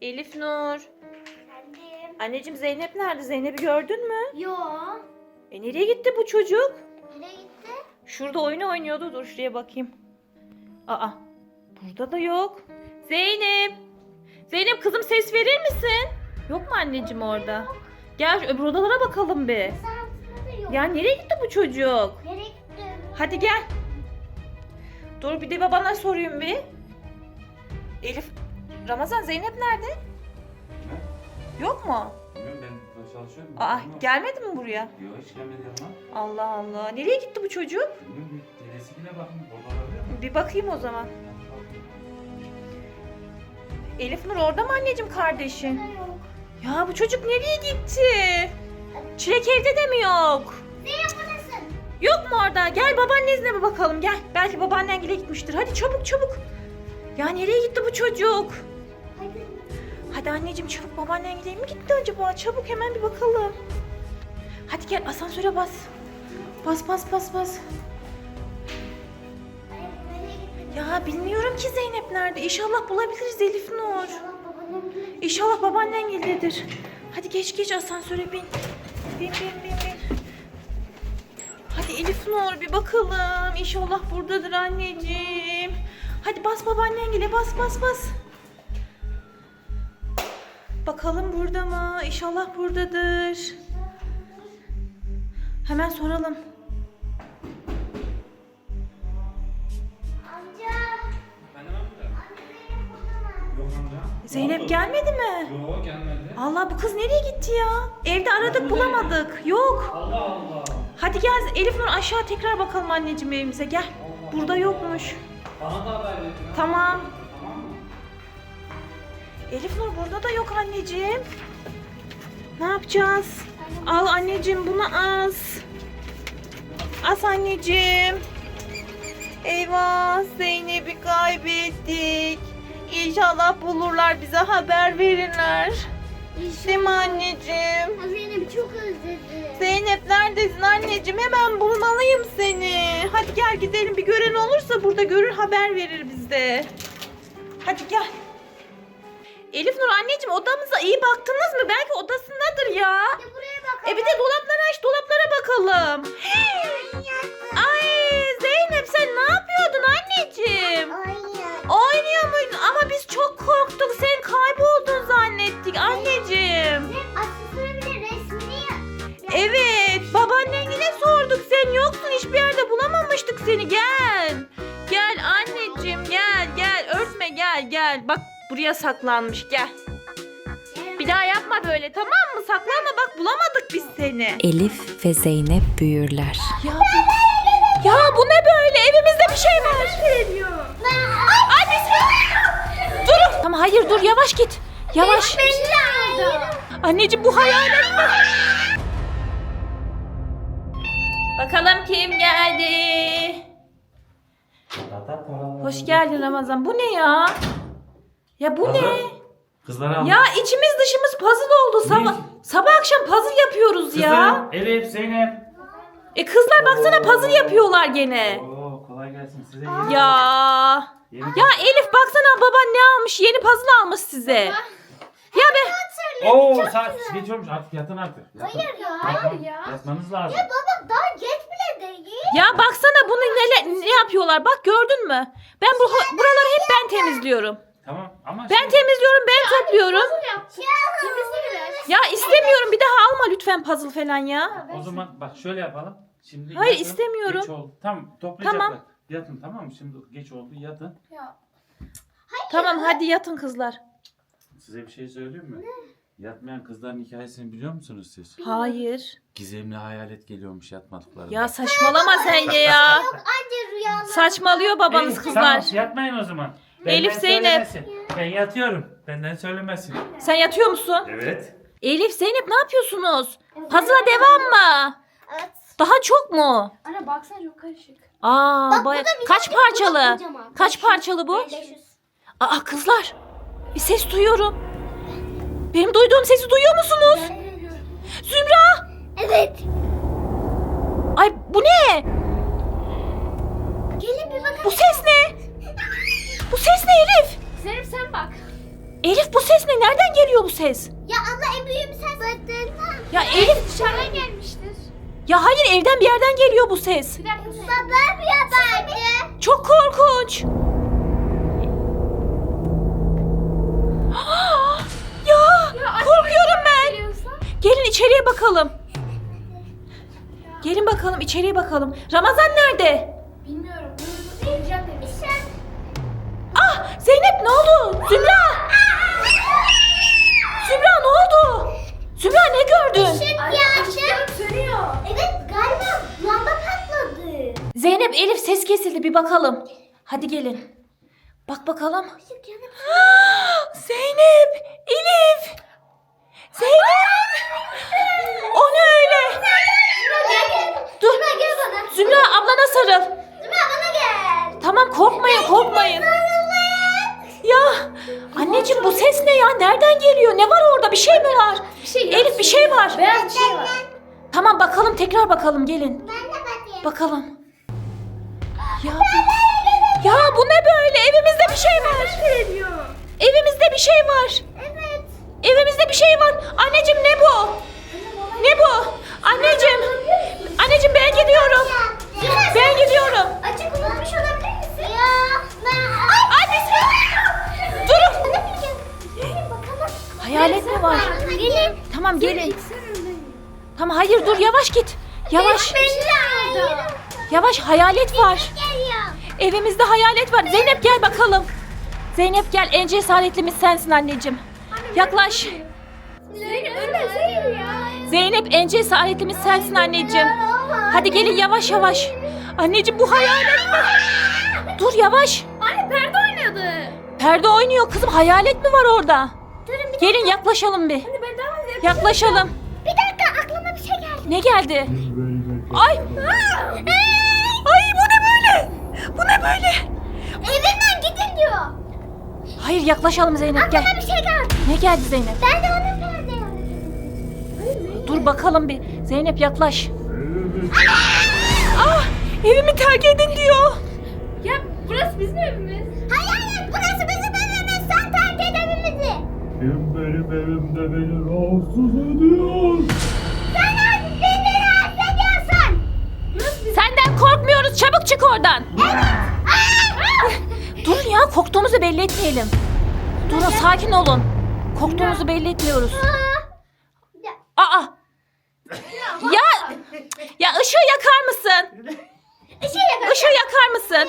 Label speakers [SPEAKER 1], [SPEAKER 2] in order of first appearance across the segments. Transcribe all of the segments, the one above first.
[SPEAKER 1] Elif Nur.
[SPEAKER 2] Efendim?
[SPEAKER 1] Anneciğim Zeynep nerede? Zeynep'i gördün mü?
[SPEAKER 2] Yo.
[SPEAKER 1] Nereye gitti bu çocuk?
[SPEAKER 2] Nereye gitti?
[SPEAKER 1] Şurada oyun oynuyordu. Dur şuraya bakayım. Aa, burada da yok. Zeynep. Zeynep kızım ses verir misin? Yok mu anneciğim orada? Gel öbür odalara bakalım bir.
[SPEAKER 2] Saatte de yok.
[SPEAKER 1] Ya nereye gitti bu çocuk?
[SPEAKER 2] Nereye gitti?
[SPEAKER 1] Hadi gel. Dur bir de babana sorayım bir. Elif, Ramazan Zeynep nerede? Yok mu?
[SPEAKER 3] Bilmiyorum, ben çalışıyorum.
[SPEAKER 1] Aa,
[SPEAKER 3] Bilmiyorum.
[SPEAKER 1] gelmedi mi buraya?
[SPEAKER 3] Yok, hiç gelmedi ama.
[SPEAKER 1] Allah Allah. Nereye gitti bu çocuk?
[SPEAKER 3] Bilmiyorum, bir dedesine bakın. Orada olabilir mi?
[SPEAKER 1] Bir bakayım o zaman. Elif Nur orada mı anneciğim kardeşin?
[SPEAKER 2] Nerede yok?
[SPEAKER 1] Ya bu çocuk nereye gitti? Çilek evde de mi yok?
[SPEAKER 2] Zeynep buradasın.
[SPEAKER 1] Yok mu orada? Gel babaannenizle mi bakalım gel. Belki babaannen gile gitmiştir. Hadi çabuk çabuk. Ya nereye gitti bu çocuk?
[SPEAKER 2] Hadi.
[SPEAKER 1] Hadi anneciğim çabuk babaannen gile mi gitti acaba? Çabuk hemen bir bakalım. Hadi gel asansöre bas. Bas bas bas bas.
[SPEAKER 2] Ay, nereye gitti?
[SPEAKER 1] Ya bilmiyorum ki Zeynep nerede. İnşallah bulabiliriz Elif Nur.
[SPEAKER 2] İnşallah babanın gelir.
[SPEAKER 1] İnşallah babaannen gelirdir. Hadi geç geç asansöre bin. Bin bin bin bin. Hadi Elif Nur bir bakalım. İnşallah buradadır anneciğim. Hadi bas babaannen gele bas bas bas. Bakalım burada mı? İnşallah buradadır. Hemen soralım.
[SPEAKER 2] Amca.
[SPEAKER 3] Efendim amca?
[SPEAKER 2] Amca Zeynep burada mı?
[SPEAKER 3] Yok amca.
[SPEAKER 1] Zeynep gelmedi mi?
[SPEAKER 3] Yok, gelmedi.
[SPEAKER 1] Allah bu kız nereye gitti ya? Evde aradık bulamadık. Yok.
[SPEAKER 3] Allah Allah.
[SPEAKER 1] Hadi gel Elif Nur aşağı tekrar bakalım anneciğim evimize gel. Burada yokmuş.
[SPEAKER 3] Bana da haber verin.
[SPEAKER 1] Tamam.
[SPEAKER 3] Tamam mı?
[SPEAKER 1] Elif Nur burada da yok anneciğim. Ne yapacağız? Al anneciğim bunu as. As anneciğim. Eyvah Zeynep'i kaybettik. İnşallah bulurlar bize haber verirler. Değil mi anneciğim?
[SPEAKER 2] Zeynep çok özledim.
[SPEAKER 1] Zeynep neredesin anneciğim? Hemen bulmalıyım seni. Hadi gel gidelim. Bir gören olursa burada görür haber verir bize. Hadi gel. Elif Nur anneciğim odamıza iyi baktınız mı? Belki odasındadır ya.
[SPEAKER 2] Ya buraya bak.
[SPEAKER 1] Bir de dolapları aç dolaplara bakalım. Ay Zeynep sen ne yapıyordun anneciğim? Oynuyor muydun? Ama biz çok korktuk. Sen kayboldun zannettik anneciğim.
[SPEAKER 2] Aslında bile resmini
[SPEAKER 1] Evet, babaannengile sorduk. Sen yoksun, hiçbir yerde bulamamıştık seni. Gel. Gel anneciğim, gel, gel. Örtme, gel, gel. Bak buraya saklanmış, gel. Bir daha yapma böyle, tamam mı? Saklanma, bak bulamadık biz seni.
[SPEAKER 4] Elif ve Zeynep büyürler.
[SPEAKER 1] Ya bu ne böyle? Evimizde bir şey var. Ay bismillah. Durun. Tamam hayır dur, yavaş git. Yavaş. Anneciğim bu hayalet mi? Bakalım kim geldi? Hoş geldin Ramazan. Bu ne ya? Ya bu ne?
[SPEAKER 3] Kızlar al.
[SPEAKER 1] Ya içimiz dışımız puzzle oldu. Sabah akşam puzzle yapıyoruz ya.
[SPEAKER 3] Elif, Zeynep.
[SPEAKER 1] Kızlar baksana puzzle yapıyorlar gene.
[SPEAKER 3] Oo, kolay gelsin size.
[SPEAKER 1] Ya. Ya Elif baksana baban ne almış? Yeni puzzle almış size. Ya be.
[SPEAKER 3] Oo, saat geç olmuş, artık yatın artık. Yatın.
[SPEAKER 2] Hayır ya.
[SPEAKER 3] Yatın.
[SPEAKER 2] Ya.
[SPEAKER 3] Yatmanız lazım.
[SPEAKER 2] Baba daha geç bile değil.
[SPEAKER 1] Ya baksana bunu ne yapıyorlar? Bak gördün mü? Ben buraları hep ben temizliyorum.
[SPEAKER 3] Tamam ama
[SPEAKER 1] Ben temizliyorum, ben topluyorum.
[SPEAKER 2] Temizle
[SPEAKER 1] Ya istemiyorum. Bir daha alma lütfen puzzle falan ya.
[SPEAKER 3] o zaman bak şöyle yapalım. Şimdi
[SPEAKER 1] Hayır,
[SPEAKER 3] yatın,
[SPEAKER 1] istemiyorum.
[SPEAKER 3] Geç oldu. Tamam, toplayacaklar.
[SPEAKER 1] Tamam.
[SPEAKER 3] Yatın, tamam mı? Şimdi geç oldu, yatın.
[SPEAKER 1] Tamam hadi yatın kızlar.
[SPEAKER 3] Size bir şey söyleyeyim mi? Yatmayan kızların hikayesini biliyor musunuz siz?
[SPEAKER 1] Hayır.
[SPEAKER 3] Gizemli hayalet geliyormuş yatmadıklarında.
[SPEAKER 1] Ya saçmalama sen de ya.
[SPEAKER 2] Anca rüyalar.
[SPEAKER 1] Saçmalıyor babanız
[SPEAKER 3] Hey,
[SPEAKER 1] kızlar.
[SPEAKER 3] Tamam, yatmayın o zaman.
[SPEAKER 1] Elif, Zeynep.
[SPEAKER 3] söylemesin. Ben yatıyorum. Benden söylemesin.
[SPEAKER 1] Sen yatıyor musun?
[SPEAKER 3] Evet.
[SPEAKER 1] Elif, Zeynep ne yapıyorsunuz? Puzzle'a devam mı?
[SPEAKER 2] Evet.
[SPEAKER 1] Daha çok mu?
[SPEAKER 5] Anne baksana çok karışık.
[SPEAKER 1] Aa, kaç parçalı?
[SPEAKER 2] kocaman.
[SPEAKER 1] Kaç parçalı bu?
[SPEAKER 2] 500.
[SPEAKER 1] Aa kızlar. Bir ses duyuyorum. Benim duyduğum sesi duyuyor musunuz? Zümra!
[SPEAKER 2] Evet.
[SPEAKER 1] Ay bu ne?
[SPEAKER 2] Gelin bir bakın.
[SPEAKER 1] Bu ses ne? Bu ses ne Elif?
[SPEAKER 5] Zeynep sen bak.
[SPEAKER 1] Elif bu ses ne? Nereden geliyor bu ses?
[SPEAKER 2] Ya abla en büyüğüm sen zaten.
[SPEAKER 1] Ya Elif
[SPEAKER 2] Dışarıdan gelmiştir.
[SPEAKER 1] ya hayır evden bir yerden geliyor bu ses.
[SPEAKER 2] Bir dakika. Baba bir yapardı.
[SPEAKER 1] Çok korkunç. Ya korkuyorum ben. Gelin içeriye bakalım. Gelin bakalım içeriye bakalım. Ramazan nerede?
[SPEAKER 2] Bilmiyorum. Geleceğim demiş.
[SPEAKER 1] Ah Zeynep ne oldu? Zümra. Zümra ne oldu? Zümra ne gördün?
[SPEAKER 2] Işık yandı. Sönüyor. Evet galiba lamba patladı.
[SPEAKER 1] Zeynep Elif ses kesildi bir bakalım. Hadi gelin. Bak bakalım.
[SPEAKER 2] Işık yandı.
[SPEAKER 1] Zeynep, Elif. Zeynep. O ne öyle? Dur.
[SPEAKER 2] Zümra gel bana.
[SPEAKER 1] Zümra ablana sarıl.
[SPEAKER 2] Zümra bana gel.
[SPEAKER 1] Tamam korkmayın korkmayın. Ya anneciğim bu ses ne ya? Nereden geliyor? Ne var orada? Bir şey mi var? Elif bir şey var.
[SPEAKER 2] Beyaz bir şey var.
[SPEAKER 1] Tamam bakalım tekrar bakalım gelin.
[SPEAKER 2] Ben de bakayım.
[SPEAKER 1] Bakalım. Ya bu ne böyle? Evimizde bir şey var. Evimizde bir şey var.
[SPEAKER 2] Evet.
[SPEAKER 1] Evimizde bir şey var. Anneciğim ne bu? Ne bu? Anneciğim. Anneciğim ben gidiyorum. Ben gidiyorum.
[SPEAKER 2] Açık unutmuş olabilir misin? Ya.
[SPEAKER 1] Ay bismillah. Durun.
[SPEAKER 2] Bakalım.
[SPEAKER 1] Hayalet mi var?
[SPEAKER 2] Gelin.
[SPEAKER 1] Tamam gelin. Tamam hayır dur yavaş git. Yavaş. Yavaş hayalet var.
[SPEAKER 2] Geliyor.
[SPEAKER 1] Evimizde hayalet var. Zeynep gel bakalım. Zeynep gel en cesaretlimiz sensin anneciğim. Yaklaş.
[SPEAKER 2] Zeynep ölmesin ya.
[SPEAKER 1] Zeynep en cesaretlimiz sensin anneciğim. Hadi gelin yavaş yavaş. Anneciğim bu hayalet mi? Dur yavaş.
[SPEAKER 2] Anne perde oynadı.
[SPEAKER 1] Perde oynuyor kızım. Hayalet mi var orada?
[SPEAKER 2] Durun bir
[SPEAKER 1] Gelin yaklaşalım bir.
[SPEAKER 2] ben daha fazla
[SPEAKER 1] Yaklaşalım.
[SPEAKER 2] Bir dakika aklıma bir şey geldi.
[SPEAKER 1] Ne geldi? Ay. Ay bu ne böyle? Bu ne böyle?
[SPEAKER 2] Evimden gidin diyor.
[SPEAKER 1] Hayır yaklaşalım Zeynep gel.
[SPEAKER 2] Aklıma bir şey geldi.
[SPEAKER 1] Ne geldi Zeynep?
[SPEAKER 2] Ben de onun perde yaptım.
[SPEAKER 1] Dur bakalım bir. Zeynep yaklaş. Ah evimi terk edin diyor.
[SPEAKER 2] Ya burası bizim evimiz. Hayır burası bizim evimiz. Sen terk et evimizi.
[SPEAKER 3] Kim benim evimde beni rahatsız ediyor?
[SPEAKER 2] Sen artık beni rahatsız ediyorsun.
[SPEAKER 1] Senden korkmuyoruz. Çabuk çık oradan. Durun ya korktuğumuzu belli etmeyelim. Durun sakin olun. Korktuğumuzu belli etmiyoruz. Aa. Ya ışığı yakar mısın? Işığı yakar mısın?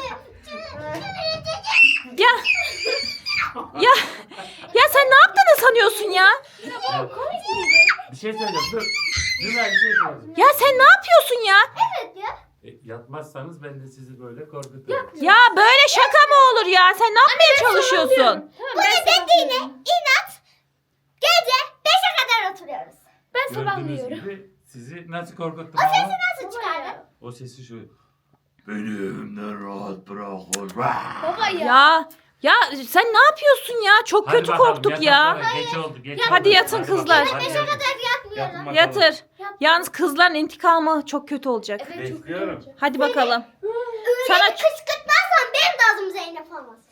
[SPEAKER 1] Ya. Ya sen ne yaptığını sanıyorsun ya?
[SPEAKER 3] Bir şey söyleyeceğim dur. Zümra bir şey söyleyeceğim.
[SPEAKER 1] Ya sen ne yapıyorsun ya?
[SPEAKER 2] Evet ya.
[SPEAKER 3] Yatmazsanız ben de sizi böyle korkuturum.
[SPEAKER 1] Ya böyle şaka mı olur ya? Sen ne yapmaya çalışıyorsun?
[SPEAKER 2] Bu dediğine inat. Gece 5'e kadar oturuyoruz. Ben
[SPEAKER 3] Gördüğünüz gibi sizi nasıl korkuttum
[SPEAKER 2] O sesi
[SPEAKER 3] ama
[SPEAKER 2] nasıl çıkardın?
[SPEAKER 3] o sesi şu. Beni evimden rahat bırakın.
[SPEAKER 2] Baba
[SPEAKER 1] Ya sen ne yapıyorsun ya? Çok
[SPEAKER 3] Hadi
[SPEAKER 1] kötü
[SPEAKER 3] bakalım,
[SPEAKER 1] korktuk
[SPEAKER 3] yatın
[SPEAKER 1] ya.
[SPEAKER 3] sonra. Geç oldu. Geç
[SPEAKER 1] Hadi
[SPEAKER 3] oldu.
[SPEAKER 1] yatın
[SPEAKER 3] bakalım,
[SPEAKER 1] kızlar.
[SPEAKER 3] hadi
[SPEAKER 2] 5'e
[SPEAKER 3] yatın.
[SPEAKER 2] kadar
[SPEAKER 3] Yatın
[SPEAKER 2] yatmıyorum.
[SPEAKER 3] bakalım.
[SPEAKER 1] Yatır. Yalnız kızların intikamı çok kötü olacak.
[SPEAKER 3] Bekliyorum.
[SPEAKER 1] Hadi bakalım.
[SPEAKER 2] Öyle
[SPEAKER 1] Sana-
[SPEAKER 2] bir kışkırtmazsan benim de adım Zeynep olmaz.